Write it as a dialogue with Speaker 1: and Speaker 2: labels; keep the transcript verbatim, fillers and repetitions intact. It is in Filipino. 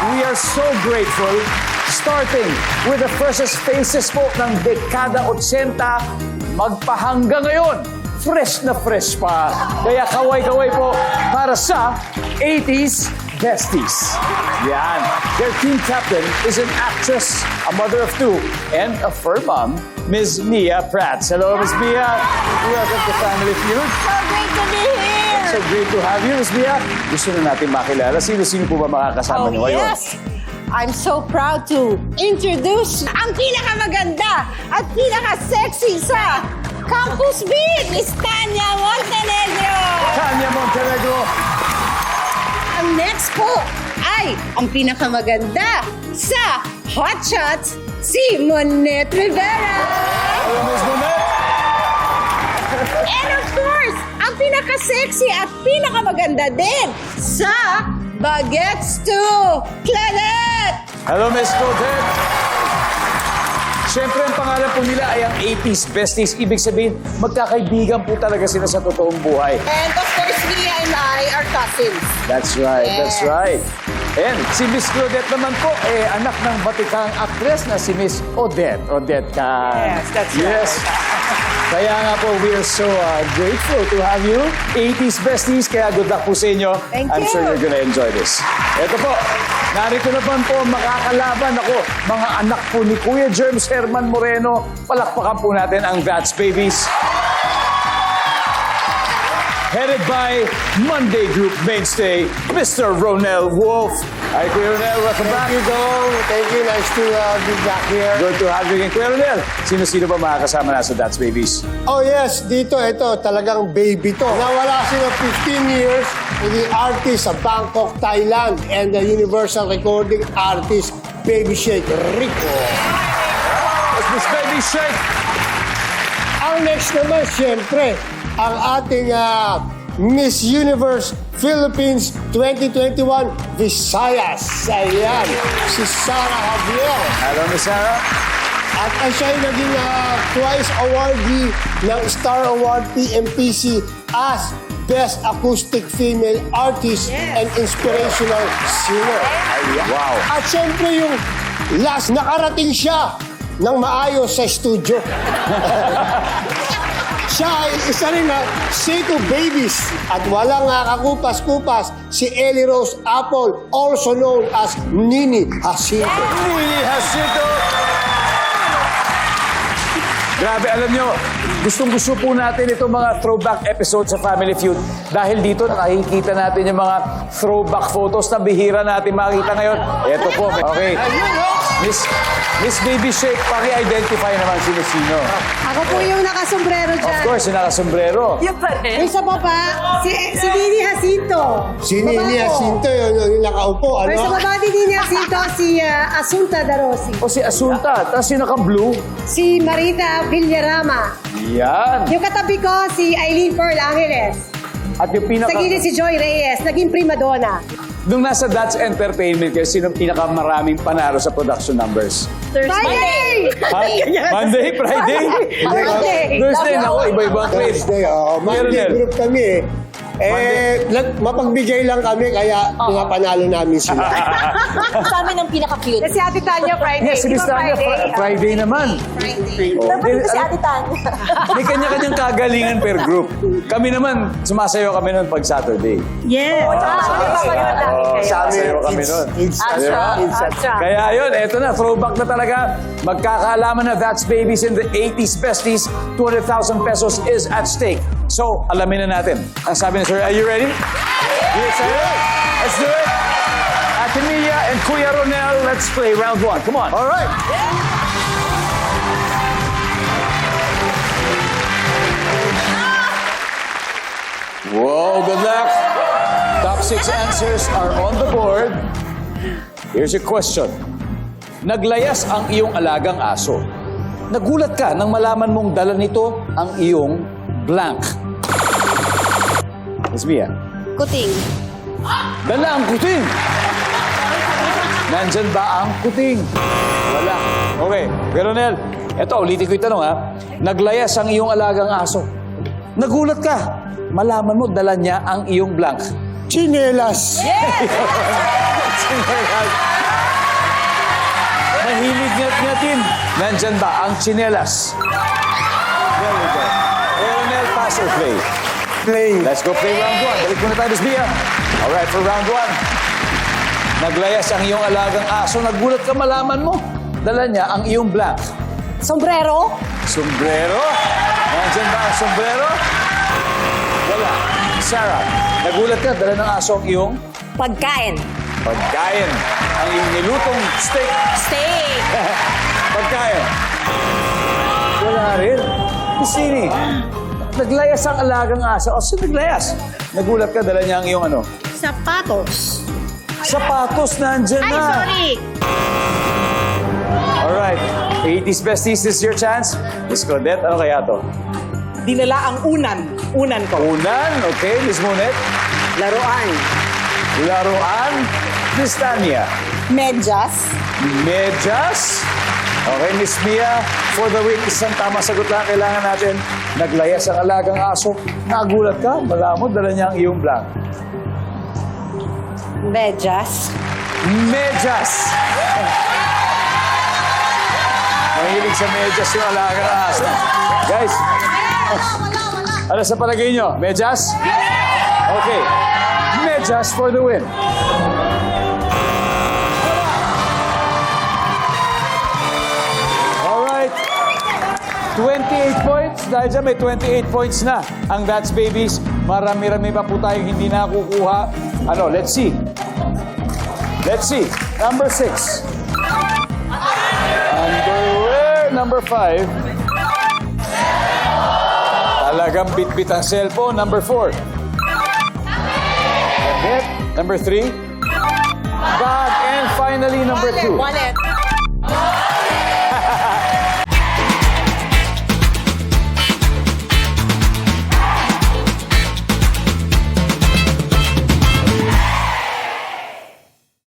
Speaker 1: we are so grateful. Starting with the freshest faces po ng dekada eighty, magpahanggang ngayon, fresh na fresh pa. Kaya kaway-kaway po para sa eighties Besties. Yan. Their team captain is an actress, a mother of two, and a fur mom, Miz Mia Prats. Hello, Miz Mia. Welcome to Family Feud.
Speaker 2: So great to be here!
Speaker 1: So great to have you, Miz Mia. Gusto na natin makilala. Sino-sino po ba makakasama
Speaker 2: Oh,
Speaker 1: niyo ngayon?
Speaker 2: yes! I'm so proud to introduce ang pinakamaganda at pinaka-sexy sa Campus Beat, Miss Tanya Montenegro!
Speaker 1: Tanya Montenegro.
Speaker 2: Ang next po ay ang pinakamaganda sa Hot Shots, si Monette Rivera!
Speaker 1: Hello, Miz Monette.
Speaker 2: And of course, ang pinaka-sexy at pinakamaganda din sa Bagets two, Claudette!
Speaker 1: Hello, Miss Claudette. Siyempre, ang pangalan po nila ay ang eighties Besties. Ibig sabihin, magkakaibigan po talaga sila sa totoong buhay.
Speaker 2: And of course, Mia and I are cousins.
Speaker 1: That's right, that's
Speaker 2: Yes.
Speaker 1: right. And si Miss Claudette naman po, eh, anak ng batikang actress na si Miss Odette. Odette Can.
Speaker 2: Yes, that's right.
Speaker 1: Yes. Kaya nga po, we are so uh, grateful to have you. eighties Besties, kaya good luck po sa inyo.
Speaker 2: Thank
Speaker 1: I'm
Speaker 2: you.
Speaker 1: sure you're gonna enjoy this. Ito po, narito naman po makakalaban ako, mga anak po ni Kuya Germs Herman Moreno. Palakpakan po natin ang That's Babies. Headed by Monday Group mainstay, Mister Ronel Wolf. Hi, Kuya Ronel. Welcome back.
Speaker 3: Thank you, Dong. Thank you. Nice to uh, be back here.
Speaker 1: Good to have you again, Kuya Ronel. Sino-sino ba makakasama na sa That's Babies?
Speaker 3: Oh yes, dito, ito, talagang baby to. Nawala sila fifteen years with the artist sa Bangkok, Thailand, and the Universal Recording artist, Baby Shake Rico.
Speaker 1: It's Miss Baby Shake.
Speaker 3: Ang next naman, siyempre, ang ating uh, Miss Universe Philippines twenty twenty-one Visayas. Ayan, si Sarah Javier.
Speaker 1: Hello, Miss Sarah.
Speaker 3: At ang siya ay naging uh, twice awardee ng Star Award P M P C as Best Acoustic Female Artist
Speaker 2: Yes.
Speaker 3: and Inspirational Singer.
Speaker 1: Wow.
Speaker 3: At syempre yung last, nakarating siya ng maayos sa studio. Siya ay isa rin na Seiko Babies at walang uh, kakupas-kupas si Ellie Rose Apple, also known as Nini Jacinto.
Speaker 1: Nini Jacinto. Grabe, alam nyo, gustong-gusto po natin itong mga throwback episodes sa Family Feud dahil dito nakikita natin yung mga throwback photos na bihira natin makita ngayon. Ito po, okay. Miss, Miss Baby Shake, paki-identify naman sino-sino.
Speaker 4: Ako po yung nakasombrero
Speaker 1: Of
Speaker 4: dyan.
Speaker 1: course, yung nakasombrero.
Speaker 2: Yung pa rin.
Speaker 4: Yung isa po pa, si, si Nini Jacinto.
Speaker 3: Si Nini Jacinto, yun, yun, yung nakaupo,
Speaker 4: Pero sa
Speaker 3: ano?
Speaker 4: baba ni Nini Jacinto, si uh, Asunta Darosi.
Speaker 1: O si Asunta, tapos yung naka-blue.
Speaker 4: Si Marita Villarama.
Speaker 1: Yan.
Speaker 4: Yung katabi ko, si Eileen Pearl Angeles.
Speaker 1: At yung pinaka...
Speaker 4: Sa gilid si Joy Reyes, naging prima donna.
Speaker 1: Nung nasa That's Entertainment kayo, sino pinakamaraming panalo sa production numbers?
Speaker 4: Friday!
Speaker 1: Ha? Monday? Friday?
Speaker 4: Monday.
Speaker 1: Thursday, nako, iba-iba ang grade.
Speaker 3: Thursday, oh. Monday
Speaker 1: Meron
Speaker 3: group kami eh. Eh, nag- mapagbigay lang kami, kaya pinapanalo namin sila.
Speaker 2: Sa amin ang pinaka-cute.
Speaker 4: Kasi Ate Tanya Friday.
Speaker 1: Yes, si
Speaker 4: Di
Speaker 1: Miss
Speaker 4: ba
Speaker 1: Tanya,
Speaker 4: Friday?
Speaker 1: Fri- Friday naman.
Speaker 4: Friday.
Speaker 1: Oh,
Speaker 2: Dapat
Speaker 1: di-
Speaker 2: ito si
Speaker 1: alam-
Speaker 2: Ate Tanya.
Speaker 1: May kanya-kanyang kagalingan per group. Kami naman, sumasayo kami noon pag Saturday.
Speaker 4: Yes.
Speaker 1: Oh,
Speaker 3: Sa amin,
Speaker 1: sumasayo kami
Speaker 3: it's,
Speaker 1: noon.
Speaker 3: it's,
Speaker 1: Di ba?
Speaker 2: Asya.
Speaker 1: Kaya yun, eto na, throwback na talaga. Magkakaalaman na That's Babies in the eighties Besties. two hundred thousand pesos is at stake. So, alamin na natin. Ang sabi ni Sir, are you ready? You excited? Let's do it. Ate Mia and Kuya Ronel, let's play round one. Come on.
Speaker 3: all right.
Speaker 1: Whoa, good luck. Top six answers are on the board. Here's your question. Naglayas ang iyong alagang aso. Nagulat ka nang malaman mong dala nito ang iyong blank. Miss Mia,
Speaker 2: Kuting.
Speaker 1: dala ang kuting. Nandyan ba ang kuting? Wala. Okay, pero Nel, eto, ulitin ko yung tanong ha. Naglayas ang iyong alagang aso. Nagulat ka. Malaman mo, dala niya ang iyong blank.
Speaker 3: Chinelas.
Speaker 1: Sinelas. Mahilig ngat-ngatin. Nandyan ba ang tsinelas? There we go. Aeronel, pass or play?
Speaker 3: Play.
Speaker 1: Let's go play round one. Balik muna tayo, Miss Bia. Alright, for round one. Naglayas ang iyong alagang aso. Nagulat ka, malaman mo. Dala niya ang iyong blank.
Speaker 4: Sombrero?
Speaker 1: Sombrero? Nandyan ba ang sombrero? Wala. Sarah, nagulat ka, dala ng aso ang iyong
Speaker 2: Pagkain.
Speaker 1: pagkain. Ang iyong nilutong steak.
Speaker 2: Steak.
Speaker 1: Pagkain. Wala rin. Sini, naglayas ang alagang aso. O, sino naglayas? Nagulat ka, dala niya ang iyong ano?
Speaker 2: Sapatos.
Speaker 1: Sapatos nandyan
Speaker 2: Ay,
Speaker 1: na.
Speaker 2: sorry.
Speaker 1: Alright. eighties besties, this is your chance. Miss Claudette, ano kaya to?
Speaker 4: Dinala ang unan. Unan ko.
Speaker 1: Unan, okay. Miss Monet.
Speaker 4: Laruan.
Speaker 1: Laruan. Miss Tanya.
Speaker 2: Medyas.
Speaker 1: Medyas. Okay, Miss Mia. For the week, isang tamang sagot lang kailangan natin. Naglayas ang alagang aso. Nagulat ka, malamod, dala niya ang iyong blank.
Speaker 2: Medyas.
Speaker 1: Medyas. Mahilig sa medyas yung alagang aso. Guys, ano sa palagay nyo? Medyas? Okay. Medyas for the win. Alright. twenty-eight points. Dahil dyan may twenty-eight points na. Ang That's Babies, marami-rami pa po tayong hindi nakukuha. Ano, let's see. Let's see. Number six. Underwear. Number five. Talagang bit-bit ang cellphone. Number four. Damit. Number three. Bag. And finally, number two.
Speaker 4: Wallet.